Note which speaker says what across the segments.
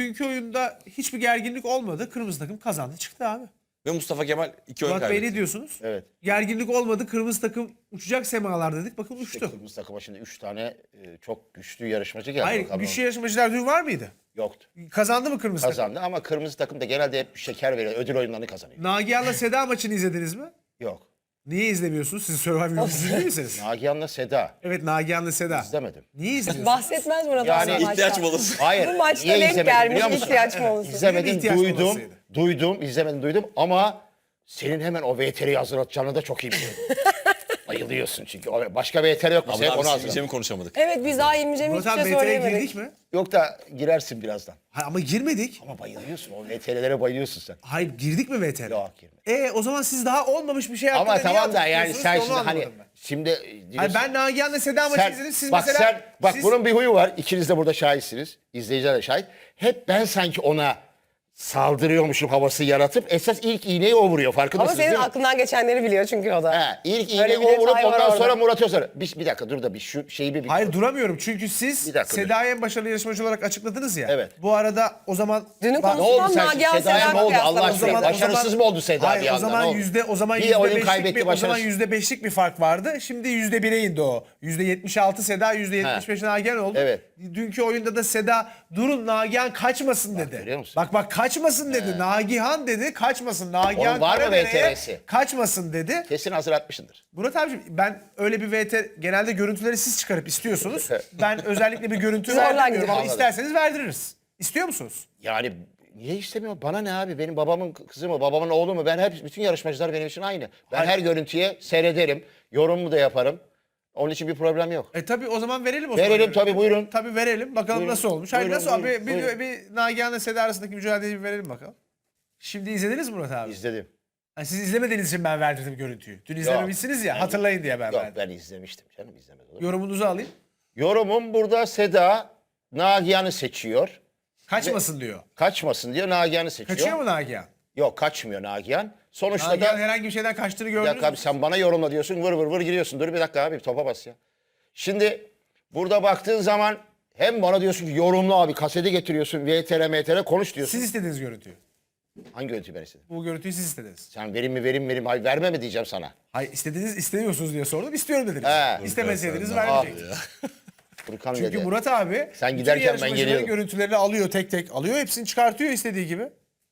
Speaker 1: dünkü oyunda hiçbir gerginlik olmadı. Kırmızı takım kazandı çıktı abi.
Speaker 2: Ve Mustafa Kemal 2 oyun
Speaker 1: Murat Bey
Speaker 2: kaybetti.
Speaker 1: ne diyorsunuz?
Speaker 3: Evet.
Speaker 1: Gerginlik olmadı. Kırmızı takım uçacak semalar dedik. Bakın uçtu.
Speaker 3: Kırmızı takıma şimdi 3 tane çok güçlü yarışmacı geldi.
Speaker 1: Hayır,
Speaker 3: bakalım.
Speaker 1: güçlü yarışmacılar dün var mıydı?
Speaker 3: Yoktu.
Speaker 1: Kazandı mı kırmızı takım?
Speaker 3: Kazandı ama kırmızı takım da genelde hep şeker veriyor. Ödül oyunlarını kazanıyor.
Speaker 1: Nagihan'la Seda maçını izlediniz mi?
Speaker 3: Yok.
Speaker 1: Niye izlemiyorsunuz? Siz Survivor yolcusu değil misiniz?
Speaker 3: Nagihan'la Seda.
Speaker 1: Evet, Nagihan'la Seda.
Speaker 3: İzlemedim.
Speaker 1: Niye izliyorsunuz?
Speaker 4: Bahsetmez Murat
Speaker 3: Yani
Speaker 4: abi
Speaker 2: İhtiyaç
Speaker 4: maçtan.
Speaker 2: molası.
Speaker 3: Hayır.
Speaker 4: Bu maçta
Speaker 3: niye
Speaker 4: denk
Speaker 3: izlemedim
Speaker 4: gelmiş
Speaker 3: biliyor musun?
Speaker 4: ihtiyaç molası.
Speaker 3: İzlemedim,
Speaker 1: ihtiyaç
Speaker 3: duydum.
Speaker 1: molasıydı.
Speaker 3: İzlemedim, duydum ama senin hemen o VTR'yi hazırlatacağını da çok iyi biliyorum. Bayılıyorsun çünkü. Başka VTR yok mu?
Speaker 2: Ama
Speaker 3: Sen
Speaker 2: abi
Speaker 3: onu
Speaker 2: biz
Speaker 3: hazırla.
Speaker 2: şey mi konuşamadık?
Speaker 4: Evet biz daha İlmice'mi
Speaker 1: Murat
Speaker 4: hiçbir
Speaker 1: abi
Speaker 4: şey
Speaker 1: VTR'ye
Speaker 4: söyleyemedik.
Speaker 1: girdik mi?
Speaker 3: Yok da girersin birazdan.
Speaker 1: Hayır, ama girmedik.
Speaker 3: Ama bayılıyorsun. O VTR'lere bayılıyorsun sen.
Speaker 1: Hayır, girdik mi VTR'ye?
Speaker 3: Yok, girme.
Speaker 1: O zaman siz daha olmamış bir şey hakkında
Speaker 3: Ama
Speaker 1: niye
Speaker 3: tamam da
Speaker 1: atıp
Speaker 3: yani
Speaker 1: tutuyorsunuz
Speaker 3: sen
Speaker 1: ki onu
Speaker 3: şimdi hani
Speaker 1: anlamadım ben.
Speaker 3: şimdi
Speaker 1: Hayır, ben Nagihan'la Seda maçı
Speaker 3: sen,
Speaker 1: izledim. Siz
Speaker 3: bak
Speaker 1: mesela...
Speaker 3: sen bak
Speaker 1: siz-
Speaker 3: bunun bir huyu var. İkiniz de burada şahitsiniz. İzleyiciler de şahit. Hep ben sanki ona saldırıyormuşum havası yaratıp esas ilk iğneyi o vuruyor.
Speaker 4: Ama
Speaker 3: Farkındasınız
Speaker 4: senin
Speaker 3: değil mi?
Speaker 4: aklından geçenleri biliyor çünkü o da.
Speaker 3: He, ilk
Speaker 4: Öyle
Speaker 3: iğneyi
Speaker 4: bir
Speaker 3: o vurup
Speaker 4: detay var
Speaker 3: ondan
Speaker 4: orada.
Speaker 3: sonra Murat Özar. Bir dakika dur da bir şu şeyi bir
Speaker 1: Hayır, duramıyorum çünkü siz
Speaker 3: Bir dakika,
Speaker 1: Seda'yı en başarılı yarışmacı olarak açıkladınız ya.
Speaker 3: Evet.
Speaker 1: Bu arada o zaman...
Speaker 4: Dünün
Speaker 1: Bak-
Speaker 3: Ne oldu
Speaker 4: konusundan
Speaker 3: sen?
Speaker 4: Nagihan
Speaker 3: Seda'ya
Speaker 4: Seda
Speaker 3: ne oldu Allah
Speaker 4: kıyaslaması.
Speaker 3: aşkına? Başarısız mı oldu Seda
Speaker 1: Hayır,
Speaker 3: bir
Speaker 1: o
Speaker 3: anda?
Speaker 1: zaman
Speaker 3: Ne oldu? Bir oyun kaybetti,
Speaker 1: o zaman
Speaker 3: başarısız.
Speaker 1: %5'lik bir fark vardı. Şimdi %1'e indi o. %76 Seda, %75 Nagihan oldu.
Speaker 3: Evet.
Speaker 1: Dünkü oyunda da Seda durun Nagihan kaçmasın dedi.
Speaker 3: görüyor musun?
Speaker 1: Bak kaçmasın dedi. Nagihan dedi kaçmasın. Nagihan
Speaker 3: Onun var mı
Speaker 1: Karadere'ye
Speaker 3: VTR'si?
Speaker 1: kaçmasın dedi.
Speaker 3: Kesin hazırlatmışsındır.
Speaker 1: Murat abiciğim, ben öyle bir genelde görüntüleri siz çıkarıp istiyorsunuz. Ben özellikle bir görüntü
Speaker 4: Zorla
Speaker 1: vermiyorum
Speaker 4: gidiyor.
Speaker 1: ama
Speaker 3: Anladım.
Speaker 1: isterseniz verdiririz. İstiyor musunuz?
Speaker 3: Yani niye istemiyor? Bana ne abi? Benim babamın kızı mı, babamın oğlu mu? Ben hep bütün yarışmacılar benim için aynı. Ben
Speaker 1: Hayır.
Speaker 3: her görüntüye seyrederim. Yorumumu da yaparım. Onun için bir problem yok.
Speaker 1: Tabii o zaman verelim o zaman.
Speaker 3: Verelim tabii, buyurun.
Speaker 1: Tabii verelim. Bakalım
Speaker 3: Buyurun.
Speaker 1: nasıl olmuş. Hayır,
Speaker 3: Buyurun,
Speaker 1: nasıl
Speaker 3: buyurun,
Speaker 1: abi?
Speaker 3: buyurun.
Speaker 1: Bir Nagihan'la Seda arasındaki mücadeleyi bir verelim bakalım. Şimdi izlediniz mi Murat abi?
Speaker 3: İzledim.
Speaker 1: Ha, siz izlemediğiniz için ben verdirdim görüntüyü. Dün izlememişsiniz ya, hatırlayın diye ben
Speaker 3: Yok
Speaker 1: verdim.
Speaker 3: ben izlemiştim canım, izlemedim. Olur mu?
Speaker 1: Yorumunuzu alayım.
Speaker 3: Yorumum burada Seda Nagihan'ı seçiyor.
Speaker 1: Kaçmasın diyor.
Speaker 3: Kaçmasın diyor, Nagihan'ı seçiyor.
Speaker 1: Kaçıyor mu Nagihan?
Speaker 3: Yok, kaçmıyor Nagihan. Sonuçta
Speaker 1: Nagihan
Speaker 3: da
Speaker 1: herhangi bir şeyden kaçtığını
Speaker 3: bir
Speaker 1: gördünüz
Speaker 3: dakika
Speaker 1: mü?
Speaker 3: abi, sen bana yorumla diyorsun, vır vır vır giriyorsun. Dur bir dakika abi, topa bas ya. Şimdi burada baktığın zaman hem bana diyorsun ki yorumla abi, kaseti getiriyorsun, VTR konuş diyorsun.
Speaker 1: Siz istediniz görüntüyü.
Speaker 3: Hangi görüntüyü ben istedim?
Speaker 1: Bu görüntüyü siz istediniz.
Speaker 3: Sen verim, hayır verme mi diyeceğim sana.
Speaker 1: Hayır, istemiyorsunuz diye sordum. İstiyorum dediniz.
Speaker 3: He.
Speaker 1: İstemeseydiniz
Speaker 3: Abi,
Speaker 1: vermeyecektiniz.
Speaker 3: Furkan
Speaker 1: Çünkü
Speaker 3: dedi.
Speaker 1: Murat abi
Speaker 3: Sen
Speaker 1: bütün
Speaker 3: giderken ben
Speaker 1: yarışmacıların
Speaker 3: geliyorum.
Speaker 1: görüntülerini alıyor, tek tek alıyor. Hepsini çıkartıyor istediği gibi.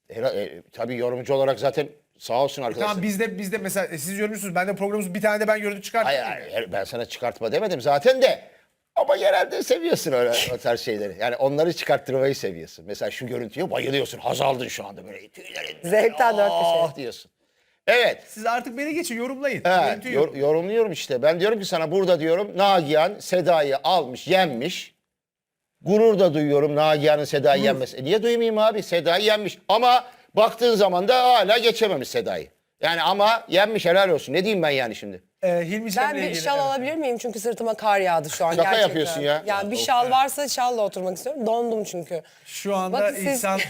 Speaker 3: Tabii yorumcu olarak zaten sağ olsun arkadaşlar.
Speaker 1: Tamam, bizde mesela siz yorumcusunuz. Ben de programımız bir tane de ben görüntü çıkarttım.
Speaker 3: Hayır, ben sana çıkartma demedim zaten de. Ama genelde seviyorsun öyle o tarz şeyleri. Yani onları çıkarttırmayı seviyorsun. Mesela şu görüntüye bayılıyorsun. Haz aldın şu anda böyle. Tüylerin.
Speaker 4: Zevkten dört köşe.
Speaker 3: Diyorsun. Evet.
Speaker 1: Siz artık beni geçin, yorumlayın.
Speaker 3: He,
Speaker 1: Görüntüyü yorumlayın.
Speaker 3: yorumluyorum işte. Ben diyorum ki sana burada diyorum Nagihan Seda'yı almış, yenmiş. Gurur da duyuyorum Nagihan'ın Seda'yı yenmesi. Niye duymayayım abi? Seda'yı yenmiş. Ama baktığın zaman da hala geçememiş Seda'yı. Yani ama yenmiş, helal olsun. Ne diyeyim ben yani şimdi?
Speaker 1: Hilmi Cem'le
Speaker 4: Ben bir
Speaker 1: ilgili,
Speaker 4: şal
Speaker 1: evet.
Speaker 4: alabilir miyim? Çünkü sırtıma kar yağdı şu an
Speaker 3: Şaka
Speaker 4: gerçekten.
Speaker 3: yapıyorsun ya.
Speaker 4: Ya bir şal varsa şalla oturmak istiyorum. Dondum çünkü.
Speaker 1: Şu anda
Speaker 4: Bakın siz-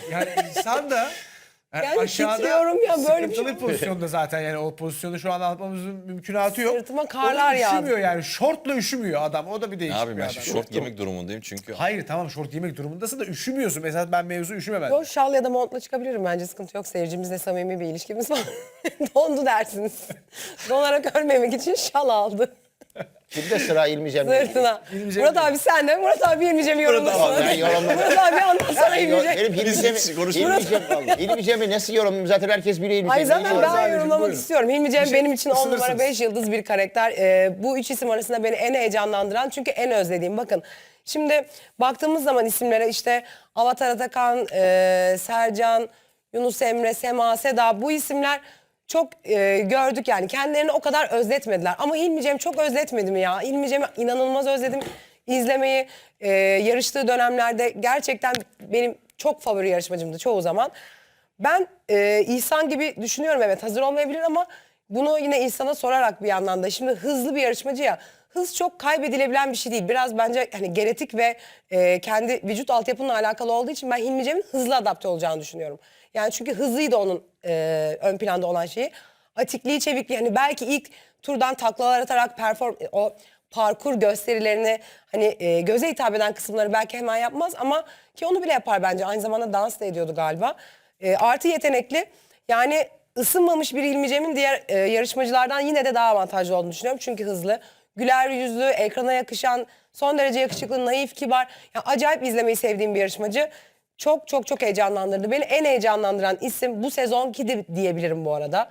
Speaker 1: insan da
Speaker 4: Yani titriyorum ya, böyle bir
Speaker 1: sıkıntılı
Speaker 4: şey.
Speaker 1: bir pozisyonda zaten, yani o pozisyonu şu an anlatmamızın mümkünatı yok.
Speaker 4: Sırtıma karlar
Speaker 1: O da üşümüyor
Speaker 4: yağdı.
Speaker 1: yani, şortla üşümüyor adam, o da bir değişik
Speaker 2: Abi
Speaker 1: bir
Speaker 2: ben
Speaker 1: adam.
Speaker 2: şort giymek durumundayım çünkü.
Speaker 1: Hayır tamam, şort giymek durumundasın da üşümüyorsun. Mesela ben mevzu üşüme ben.
Speaker 4: Yo, şal ya da montla çıkabilirim bence, sıkıntı yok. Seyircimizle samimi bir ilişkimiz var. Dondu dersiniz. Donarak ölmemek için şal aldı
Speaker 3: Kimde sıra İlmi Cem'de?
Speaker 4: sırtına.
Speaker 1: İlmi Cem
Speaker 4: Murat
Speaker 1: değil.
Speaker 4: abi sen de. Murat abi İlmi Cem'i yorumlasın.
Speaker 3: Ben yorumladım.
Speaker 4: Murat abi anlatsana İlmi Cem.
Speaker 3: Benim İlmi Cem'i,
Speaker 2: konuşmuyoruz.
Speaker 3: İlmi Cem'i nasıl yorumlayayım? Zaten herkes biliyor İlmi
Speaker 4: Hayır
Speaker 3: Cem'i.
Speaker 4: zaten
Speaker 1: Buyurun
Speaker 4: ben
Speaker 1: abicim,
Speaker 4: yorumlamak
Speaker 1: buyurun.
Speaker 4: istiyorum. Hilmi Cem
Speaker 1: Bir şey
Speaker 4: benim için 10 numara
Speaker 1: ısınırsınız.
Speaker 4: 5 yıldız bir karakter. Bu üç isim arasında beni en heyecanlandıran, çünkü en özlediğim. Bakın şimdi baktığımız zaman isimlere, işte Avatar Atakan, Sercan, Yunus Emre, Sema, Seda, bu isimler çok gördük yani. Kendilerini o kadar özletmediler. Ama Hilmi Cem çok özletmedi mi ya? Hilmi Cem'i inanılmaz özledim. İzlemeyi yarıştığı dönemlerde gerçekten benim çok favori yarışmacımdı çoğu zaman. Ben İhsan gibi düşünüyorum, evet hazır olmayabilir ama bunu yine İhsan'a sorarak bir yandan da, şimdi hızlı bir yarışmacı ya, hız çok kaybedilebilen bir şey değil. Biraz bence hani genetik ve kendi vücut altyapınla alakalı olduğu için ben Hilmi Cem'in hızlı adapte olacağını düşünüyorum. Yani çünkü hızlıydı onun ön planda olan şeyi. Atikliği, çevikliği, hani belki ilk turdan taklalar atarak o parkur gösterilerini hani göze hitap eden kısımları belki hemen yapmaz ama ki onu bile yapar bence. Aynı zamanda dans da ediyordu galiba. Artı yetenekli. Yani ısınmamış bir Hilmi Cem'in diğer yarışmacılardan yine de daha avantajlı olduğunu düşünüyorum. Çünkü hızlı, güler yüzlü, ekrana yakışan, son derece yakışıklı, naif, kibar. Yani acayip izlemeyi sevdiğim bir yarışmacı. Çok çok çok heyecanlandırdı. Beni en heyecanlandıran isim bu sezonki de diyebilirim bu arada.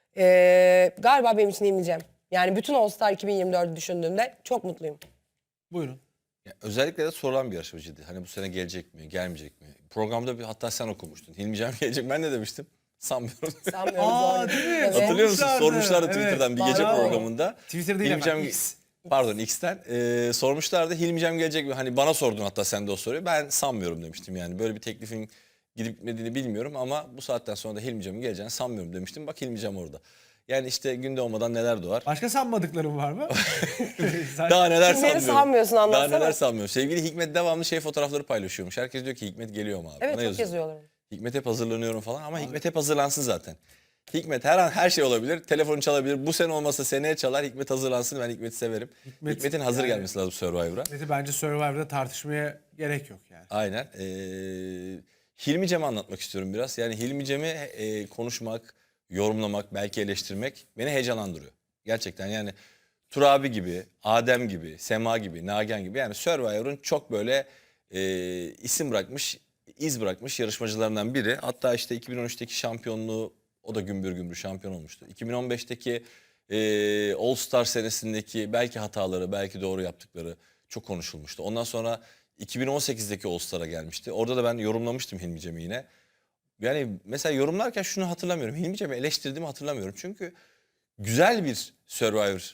Speaker 4: Galiba benim için Hilmi Cem. Yani bütün All Star 2024'ü düşündüğümde çok mutluyum.
Speaker 1: Buyurun.
Speaker 2: Ya özellikle de sorulan bir yarışmacıydı. Hani bu sene gelecek mi, gelmeyecek mi? Programda hatta sen okumuştun. Hilmi Cem gelecek. Ben ne demiştim? Sanmıyorum.
Speaker 4: Sanmıyorum.
Speaker 1: Aa,
Speaker 4: zor.
Speaker 1: değil mi?
Speaker 4: Evet.
Speaker 2: Hatırlıyor musun?
Speaker 1: Sormuşlardı.
Speaker 2: Sormuşlardı
Speaker 1: Evet.
Speaker 2: Twitter'dan bir gece
Speaker 4: Bravo.
Speaker 2: programında.
Speaker 1: Twitter değil
Speaker 2: Hilmi
Speaker 1: efendim,
Speaker 2: Cem-
Speaker 1: X.
Speaker 2: Pardon X'ten. Sormuşlardı Hilmi Cem gelecek mi? Hani bana sordun hatta sen de o soruyu. Ben sanmıyorum demiştim yani. Böyle bir teklifin gidip gitmediğini bilmiyorum ama bu saatten sonra da Hilmi Cem'in geleceğini sanmıyorum demiştim. Bak Hilmi Cem orada. Yani işte günde olmadan neler doğar.
Speaker 1: Başka sanmadıklarım var mı?
Speaker 2: Daha neler
Speaker 4: Kimleri
Speaker 2: sanmıyorum.
Speaker 4: sanmıyorsun,
Speaker 2: Daha
Speaker 4: anlatsana.
Speaker 2: neler sanmıyorum. Sevgili Hikmet devamlı fotoğrafları paylaşıyormuş. Herkes diyor ki Hikmet geliyor mu abi?
Speaker 4: Evet
Speaker 2: Bana
Speaker 4: çok yazıyorlar.
Speaker 2: Hikmet hep hazırlanıyorum falan ama Hikmet hep hazırlansın zaten. Hikmet her an her şey olabilir. Telefonu çalabilir. Bu sene olmasa seneye çalar. Hikmet hazırlansın. Ben Hikmet'i severim. Hikmet'in hazır
Speaker 1: yani-
Speaker 2: gelmesi lazım Survivor'a.
Speaker 1: Neti bence Survivor'da tartışmaya gerek yok yani.
Speaker 2: Aynen. Hilmi Cem'i anlatmak istiyorum biraz. Yani Hilmi Cem'i konuşmak, yorumlamak, belki eleştirmek beni heyecanlandırıyor. Gerçekten yani Turabi gibi, Adem gibi, Sema gibi, Nagihan gibi yani Survivor'un çok böyle isim bırakmış, iz bırakmış yarışmacılarından biri. Hatta işte 2013'teki şampiyonluğu o da gümbür gümbür şampiyon olmuştu. 2015'teki All Star senesindeki belki hataları, belki doğru yaptıkları çok konuşulmuştu. Ondan sonra 2018'deki All Star'a gelmişti. Orada da ben yorumlamıştım Hilmi Cem'i yine. Yani mesela yorumlarken şunu hatırlamıyorum. Hilmi Cem'i eleştirdiğimi hatırlamıyorum. Çünkü güzel bir Survivor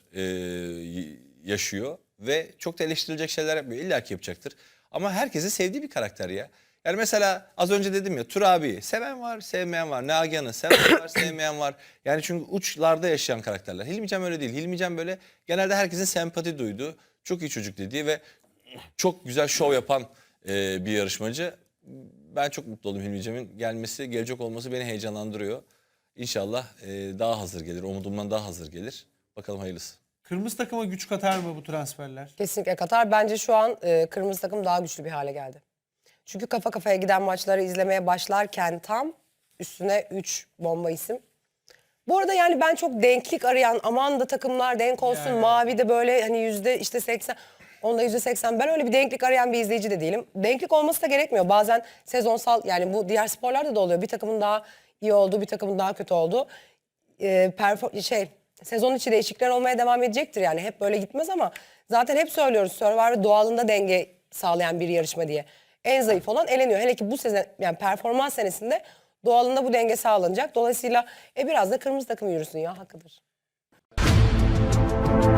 Speaker 2: yaşıyor ve çok da eleştirilecek şeyler yapmıyor. İlla ki yapacaktır. Ama herkesin sevdiği bir karakter ya. Yani mesela az önce dedim ya Turabi'yi seven var, sevmeyen var. Nagihan'ı seven var, sevmeyen var. Yani çünkü uçlarda yaşayan karakterler. Hilmi Cem öyle değil. Hilmi Cem böyle genelde herkesin sempati duyduğu, çok iyi çocuk dediği ve çok güzel şov yapan bir yarışmacı. Ben çok mutlu oldum Hilmi Cem'in gelmesi, gelecek olması beni heyecanlandırıyor. İnşallah daha hazır gelir, umudumdan daha hazır gelir. Bakalım hayırlısı.
Speaker 1: Kırmızı takıma güç katar mı bu transferler?
Speaker 4: Kesinlikle Katar. Bence şu an kırmızı takım daha güçlü bir hale geldi. Çünkü kafa kafaya giden maçları izlemeye başlarken tam üstüne 3 bomba isim. Bu arada yani ben çok denklik arayan aman da takımlar denk olsun
Speaker 1: Yani.
Speaker 4: mavi de böyle hani yüzde işte 80 onda %80 ben öyle bir denklik arayan bir izleyici de değilim. Denklik olması da gerekmiyor. Bazen sezonsal yani bu diğer sporlarda da oluyor. Bir takımın daha iyi olduğu bir takımın daha kötü olduğu. Sezon içi değişiklikler olmaya devam edecektir yani hep böyle gitmez ama zaten hep söylüyoruz Survivor doğalında denge sağlayan bir yarışma diye. En zayıf olan eleniyor. Hele ki bu sezon yani performans senesinde doğalında bu denge sağlanacak. Dolayısıyla biraz da kırmızı takım yürüsün ya hakkıdır.